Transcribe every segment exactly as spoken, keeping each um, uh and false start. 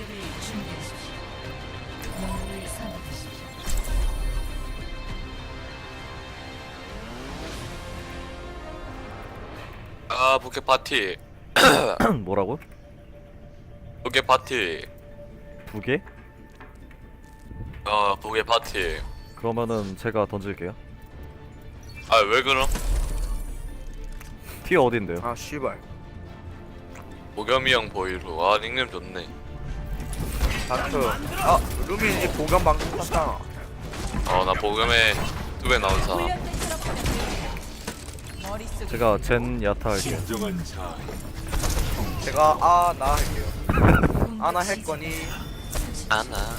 아 부캐 파티. 뭐라고? 부캐 파티. 두 개? 어 부캐 파티. 그러면은 제가 던질게요. 아 왜 그럼? 티어 어딘데요? 아 씨발. 보겸이 형 보이로. 아 닉네임 좋네. 다크. 아 루미 이제 보경 방송 탔잖아. 어나 보겸에 두 배 나온 사람. 제가 젠 야타 할게요. 제가 아 나 할게요. 아나 할 거니. 아나.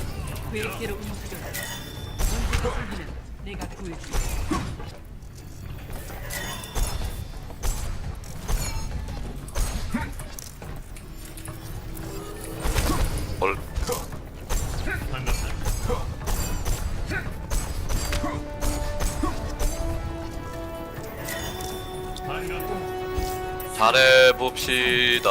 뭘? 잘해봅시다.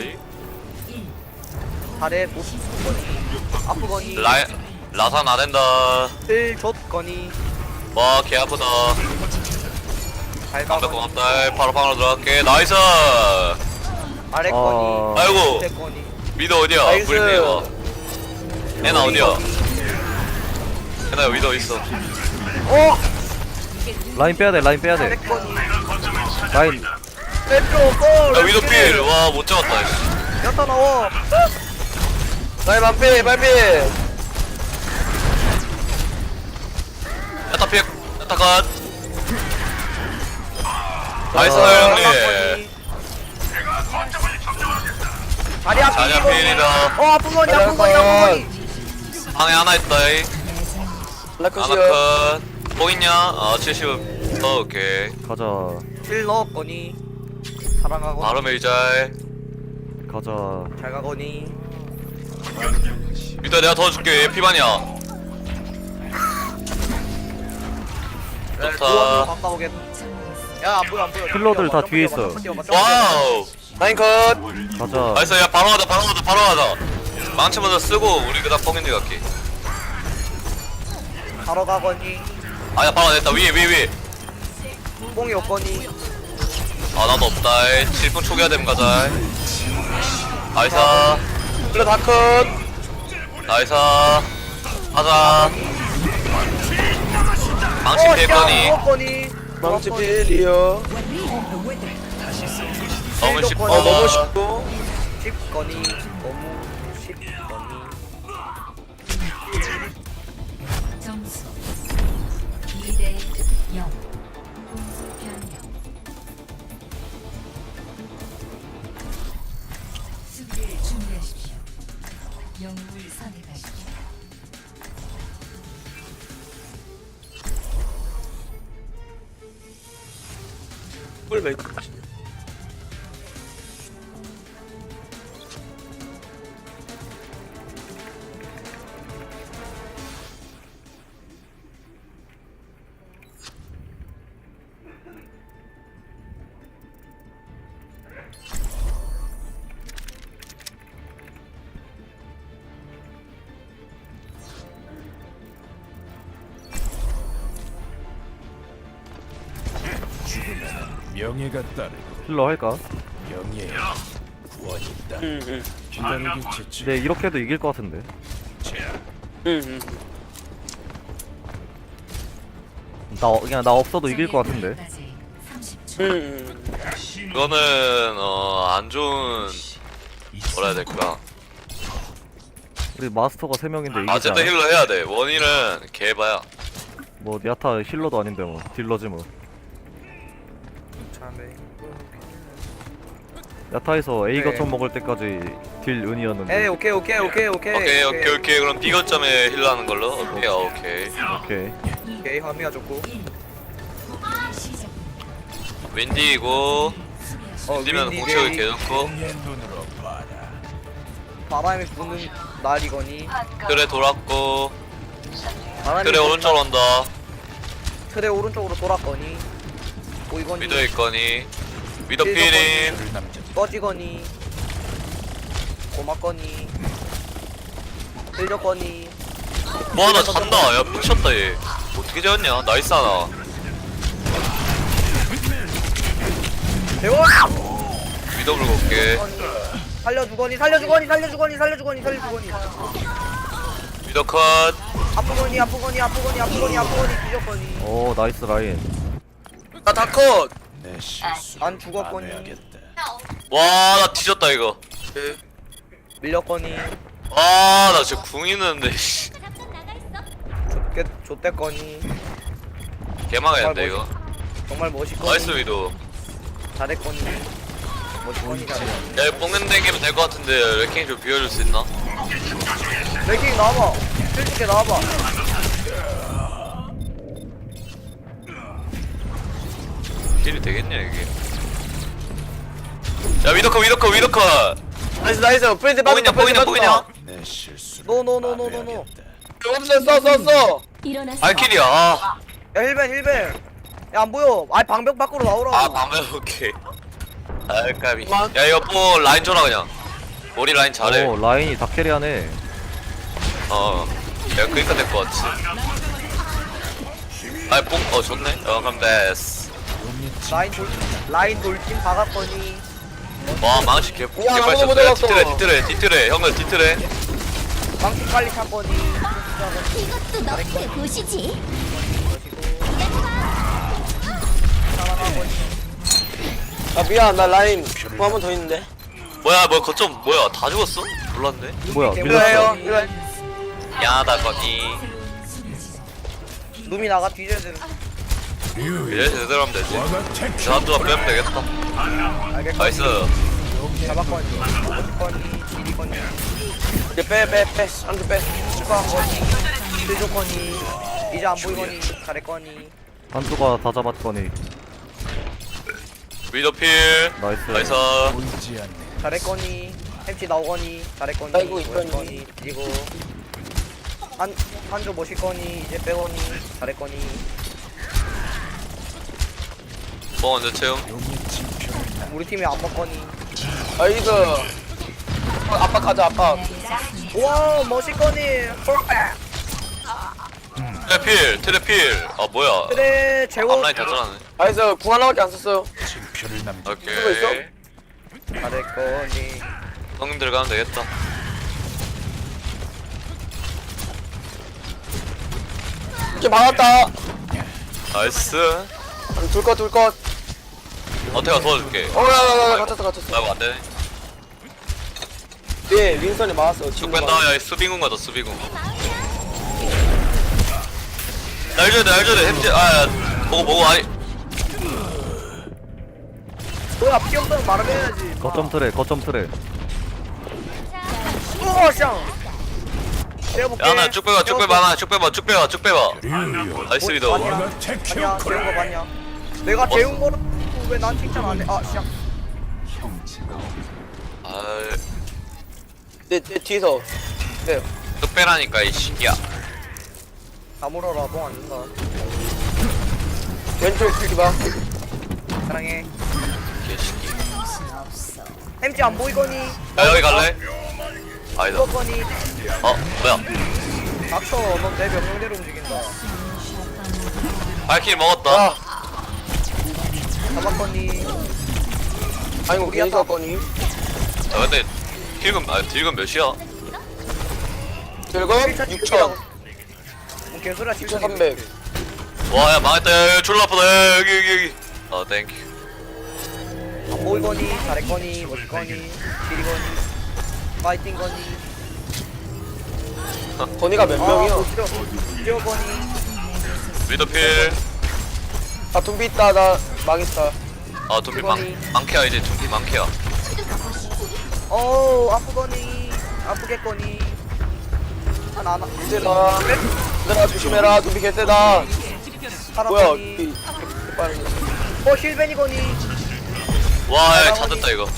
잘해 못 거니. 아프거니. 라 라산 안 된다. 힐 줬거니. 와 개 아프다. 잘 담배 가거니. 고맙다. 바로 방으로 들어갈게. 나이스. 아래 아. 거니. 아이고. 밑에 거니. 미드 어디야? 나이스. 브리테이가. 애나 어디야? 애나 여기 더 있어. 어. 라인 빼야돼 라인 아래 빼야돼. 거니. 라인 왼쪽 고. 야 위도 필. 와 못 잡았다. 씨. 야타 나와. 나의 반피 반피 야타 필. 야타 컷. 나이스 어, 형님. 자리 앞 자냐 필이다. 어 아픈 거니 아픈 거니 아픈 거니. 방에 하나 있다. 이. 하나 라크시오 컷. 뭐 있냐? 아 칠십. 어 오케이. 가자 힐 넣었거니. 사랑하고. 바로 메이잘. 가자. 잘 가거니. 이따 내가 더 줄게. 얘 피반이야. 네, 좋다. 도와줘 가까우게. 야안 보여 안 보여. 힐러들 다 뒤에 있어. 와우. 라인 컷 가자. 나이스. 야 바로 가자. 바로 가자. 바로 가자. 망치 먼저 쓰고 우리 그다음 뻥인데 갈게. 바로 가거니. 아야 바로 됐다. 위에 위에 위에. 뽕이 없거니. 아 나도 없다. 칠 분 초기화 되면 가자. 나이스. 플러 다컷 나이스. 가자. 망치 필거니. 없거니. 망치 필이요 너무 쉽다. 어 너무 쉽고 쉽거니. 너무 쉽거니. 점수 이 대 영. 공수 변경. 수비를 준비하십시오. 영웅을 선택하십시오. 꿀 메이크 명예가 따르고 힐러 할까? 명예 구원이 있다. 응응 기다리기 지치. 근데 이렇게 해도 이길 것 같은데. 응응 나 그냥 나 없어도 이길 것 같은데. 까지 삼십 초. 응응 그거는 어 안 좋은 뭐라 해야 될까. 우리 마스터가 세 명인데 이기지 어쨌든 않아? 힐러 해야 돼. 원일은 개바야. 뭐 야타 힐러도 아닌데 뭐 딜러지 뭐. 참에. 야타에서 A 네. 거점 먹을 때까지 딜 은이었는데. 에이 오케이 오케이 오케이 오케이. 오케이 오케이 오케이. 그럼 B 거점에 힐러 하는 걸로. 오케이 아, 오케이. 오케이. 오케이 화미가 좋고. 시작. 윈디이고 어 윈디면 윈디 공격이 게이. 개 좋고. 내 눈으로 봐라. 바람이 부는 날이거니. 그래 돌았고. 바람이 그래 부는 오른쪽으로 온다. 틀에 오른쪽으로 돌았거니. 보이거니. 미더 있거니. 미더 힐 피링. 를 남겼다. 꺼지거니. 고맙거니. 힐조건이. 뭐 하나 잔다. 야 미쳤다 얘. 어떻게 재웠냐? 나이스 하나. 대원. 위더 불고 올게. 살려주거니 살려주거니 살려주거니 살려주거니 살려주거니. 위더 컷. 아프거니 아프거니 아프거니 아프거니 아프거니 뒤졌거니. 오 나이스 라인. 나 다컷. 내 실수. 안 죽었거니. 해야겠다. 와 나 뒤졌다 이거. 밀렸거니. 와 나 진짜 궁 있는데. 씨. 좆get 좆대거니. 개망했는데 이거. 정말 멋있거니. 나이스 위도. 잘했거니. 멋있거니 잘해. 야 이거 뽕냄 댕기면 될 것 같은데 레킹 좀 비워줄 수 있나? 레킹 나와봐. 실직해 나와봐. 딜이 되겠냐 이게? 야 위더컷 위더컷 위더컷. 나이스 나이스. 프렌즈 보이냐 빠졌다. 보이냐 보이냐? 내 실수를 노노노노노노. 없어 써 써 써. 일어나서 발키리야. 아, 야 힐벤 힐벤. 야 안 보여. 아 방벽 밖으로 나오라고. 아 밤에 오케이. 아 까비. 야 이거 뭐 라인 줘라 그냥. 머리 라인 잘해. 오 라인이 다 캐리하네. 어. 야 그니까 될 것 같지. 아이 뽕어 좋네. 어 그럼 됐어. 라인 돌 라인 돌진 박았거니. 와 망치 개 야, 개빨 아무도 못 쳤어. 야 잡았어. 뒤틀에 뒤틀에 뒤틀에 형들 뒤틀에. 망치 빨리 찼거니. 이것도 너의 보시지. 살아나거니. 아 미안 나 라인 뭐 한 번 더 있는데. 뭐야 뭐 거점 뭐야 다 죽었어? 몰랐네. 뭐야 이거예요. 밀렸어. 이거 야다 거기. 룸이 나가 뒤져야 되는. 이래 제대로 하면 되지. 와가 택. 저한두가 빼면 되겠다. 알겠거니. 나이스. 잡았거니. 멋있거니. 지리거니. 이제 빼빼 빼. 한줄 빼. 축구한거니. 힐조거니. 이제 안 보이거니. 잘했거니. 한두가 다 잡았거니. 위더필. 나이스. 나이스. 보이지 않네. 잘했거니. 햄치 나오거니. 잘했거니. 아이고, 있거니. 멋있거니. 그리고 한 한조 멋있거니. 이제 빼거니. 잘했거니. 뭐 먼저 채움. 용의 진표를 나. 우리 팀이 안 먹거니. 아이고. 어, 압박하자 압박. 와 멋있거니. 트래필 트래필. 아 뭐야? 그래 재워. 앞라인 다 잘하네. 나이스. 궁 하나밖에 안 썼어요. 진표를 남겨. 오케이. 누구 있어? 잘했거니. 형님들 가면 되겠다. 이렇게 막았다. 나이스. 둘것 둘것. 어태가 도와줄게. 어야야야 갇혔어 갇혔어. 아이고 안되네. 네 윈선이 막았어. 쭉 뺀다. 야 수비공 가자 수비공. 날 줘야 돼날 줘야 돼. 햄지 아야 보고 보고 아니. 뭐야 피 없으면 말을 해야지. 거점 트레 거점 트레. 우와 샹. 재워볼게. 야나 쭉 빼봐 쭉 빼봐 하나 쭉 빼봐 쭉 빼봐 쭉 빼봐. 류요. 나이스 위더. 아니야. 와가 택. 아니야 재운 거 봤냐? 내가 재운 거를 왜 난 칭찬 안 해? 아 샹. 아이 내, 내 뒤에서. 네. 쭉 빼라니까 이 새끼야. 다 물어라 뽕안 준다. 왼쪽 뒤봐. 사랑해. 개새끼. 햄찌 안 보이거니? 야 여기 갈래? 아니다. 죽었거니? 어 뭐야? 닥쳐 넌 내 명령대로 움직인다. 발키리 먹었다. 아. 잡았거니? 아이고 괜히 썼거니. 야 근데 딜금 아 딜금 몇이야? 결국 육천. 뭐 개소리야 칠천 육천삼백. 와 야 망했다. 야, 야 졸라 아프다. 야, 여기 여기 여기. 아 땡큐. 안 보이거니? 잘했거니? 멋있거니? 길이거니? 파이팅거니? 건이가 몇 명이야? 뛰어거니? 위더필. 아 둠비 있다. 나 망했다. 아 둠피 망 망케야 이제 둠피 망케야. 어우 아프거니? 아프겠거니? 하나 하나 세다. 얘들아 조심해라. 둠비 개세다. 뭐야? 살았거니? 이- 빠르네. 어 힐벤이거니? 와야 찾았다 이거.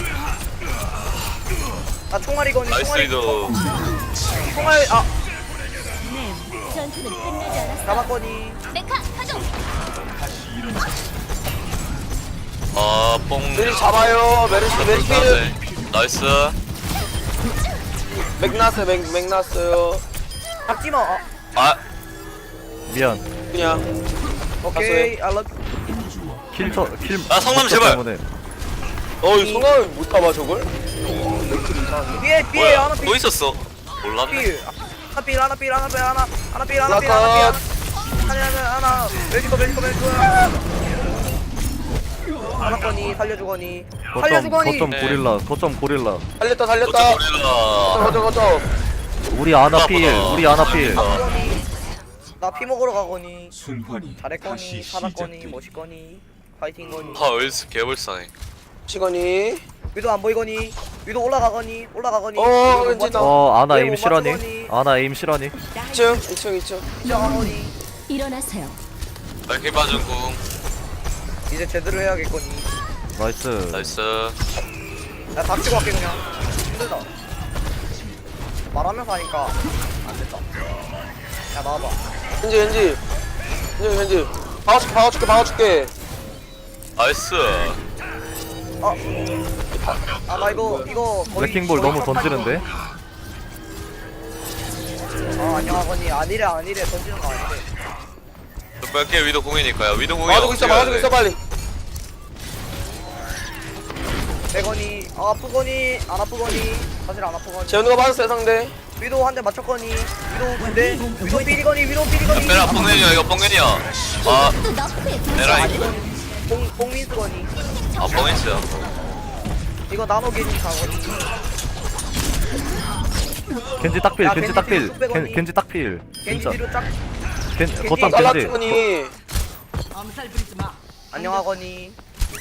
나 총알이거니? 나이스 총알이 위더. 총알 아 전투는 끝나지 않았어. 잡았거니? 메카 가동. 아 뽕. 메리 잡아요. 메르시 메르시. 나이스. 맥 났어요. 맥, 맥 났어요. 잡지마. 아, 아 미안. 그냥 오케이. I love. 킬터 킬. 아, 성남 킬터 제발. 때문에. 어이 성함을 못 잡아 저걸? 뒤에 뒤에 뭐야 하나 또 필. 있었어 몰랐네 필. 하나 필 하나 필 하나 필 하나 하나 필 하나 필 라컷. 하나 필 하나 하나 하나 멜지코 멜지코 멜지코 하나 거니 살려주거니 거점 살려주거니 거점 고릴라. 거점 고릴라. 살렸다 어쩌 살렸다. 고릴라 거쳐 거쳐. 우리 아나 필. 우리 아나 필. 나 피 먹으러 가거니 순환이 잘했거니 다시 살았거니 시작되리. 멋있거니 파이팅거니 아 얼스 개불쌍해 시건이. 위도 안 보이거니 위도 올라가거니 올라가거니 어, 위도 못 왠지 맞춰. 나- 어 아나 얘 에임 못 실하니? 맞추거니. 아나 에임 실하니? 이층 이층 이층. 시작하거니 일어나세요. 밝게 빠진 궁 이제 제대로 해야겠거니 나이스. 나이스 야 닥치고 갈게 그냥 힘들다 말하면서 하니까 안 됐다 야 나와봐 현지 현지 현지 현지. 박아줄게 박아줄게 박아줄게. 나이스 아 나 이거 이거 거의 블랙킹볼 거의 너무 첫 던지는데? 아 안녕하거니 아니래 아니래 던지는 거 아니래 뺄게 위도 궁이니까요 위도 궁이 막아주고 있어 막아주고 있어 빨리. 빼거니 아 아프거니 안 아프거니 사실 안 아프거니 재현우가 맞았어요 상대. 위도 한 대 맞췄거니 위도 근데 위도 삐리거니 위도 삐리거니 빼라 뽕겐이야 이거 뽕겐이야 아 또 너프의 도시. 내라 이거 뽕 뽕민스거니 아 뽕겐이야 이거 나노게니 가거니 겐지 딱필. 야, 겐지 겐지 딱필. 뒤로 빼거니. 겐- 겐지 딱필. 겐지 진짜. 뒤로 쫙 겐 겐지 거점 겐지. 잘라주거니. 안녕하거니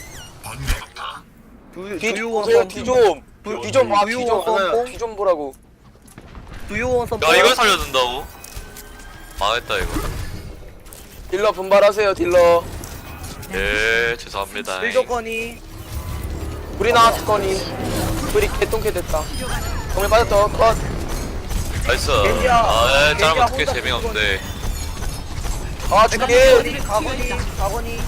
두 뒤 두유원 보세요 뒤좀. 뒤좀 봐 두유 뒤좀. 뽕. 뒤좀 보라고. 두유원 선포 야 이걸 살려준다고? 망했다 이거 딜러 분발하세요 딜러. 예 죄송합니다 일조거니 우리 나왔거니. 우리 개똥개 됐다. 정말 빠졌다 컷. 나이스 겐지야, 아예 겐지야 짜면 어떻게 혼자 재미없는데 아 내가 죽게. 삐거니 가거니 가거니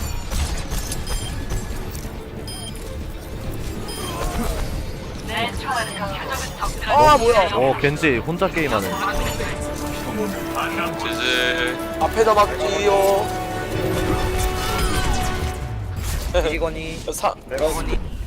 아 뭐야 어 겐지 혼자 게임하네. 지지 앞에다 막지요. 이거니 사 내가거니